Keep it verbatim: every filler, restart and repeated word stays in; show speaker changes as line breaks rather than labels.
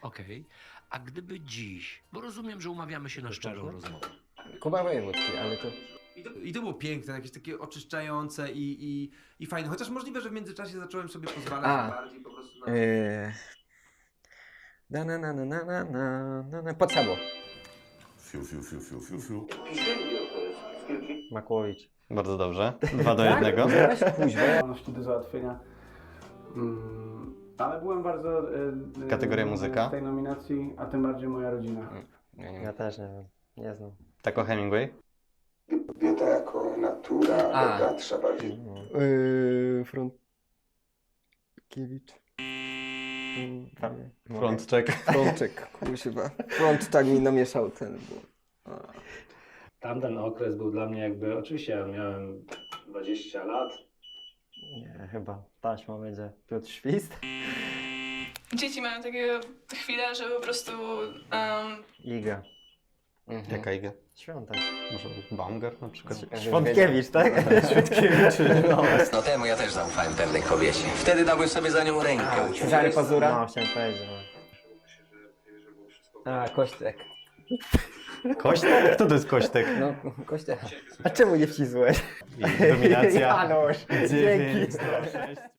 Okej. A gdyby dziś, bo rozumiem, że umawiamy się na szczerą rozmowę.
Kuba Wojewódzki, ale to...
I to, I to było piękne, jakieś takie oczyszczające i, i, i fajne. Chociaż możliwe, że w międzyczasie zacząłem sobie pozwalać
A.
bardziej po prostu na...
Eee... Na na na na na na na na na pod sabą.
Fiu, fiu, fiu, fiu, fiu, fiu.
Makłowicz.
Bardzo dobrze. Dwa do jednego.
Weź kuźwa.
Zdolności do załatwienia. Mm, ale byłem bardzo... E, e,
Kategoria muzyka?
w tej nominacji, a tym bardziej moja rodzina.
Ja nie
Ja też nie wiem, nie znam.
Tako Hemingway.
Kobieta jako natura
A.
bogata trzeba
Yy, Frątkiewicz.
Frontcheck.
Frączek, kuźwa. Frącz tak mi namieszał ten, bo...
Tamten okres był dla mnie jakby, oczywiście ja miałem dwadzieścia lat.
Nie, chyba taśma będzie Piotr Świst.
Dzieci mają takie chwile, że po prostu um,
Iga.
Mhm.
Jaka iga?
Świątek.
Może Baumgart na przykład?
Świątkiewicz, tak? Świątkiewicz. No.
No temu ja też zaufałem pewnej kobiecie. Wtedy dałbym sobie za nią rękę.
Cezary Pazura?
No, chciałem powiedzieć, no.
A, Kośtek.
Kośtek? Kto to jest Kośtek?
No, Kośtek.
A czemu nie wcisłeś?
I dominacja.
Janusz, dzięki.
dziewięć do sześciu.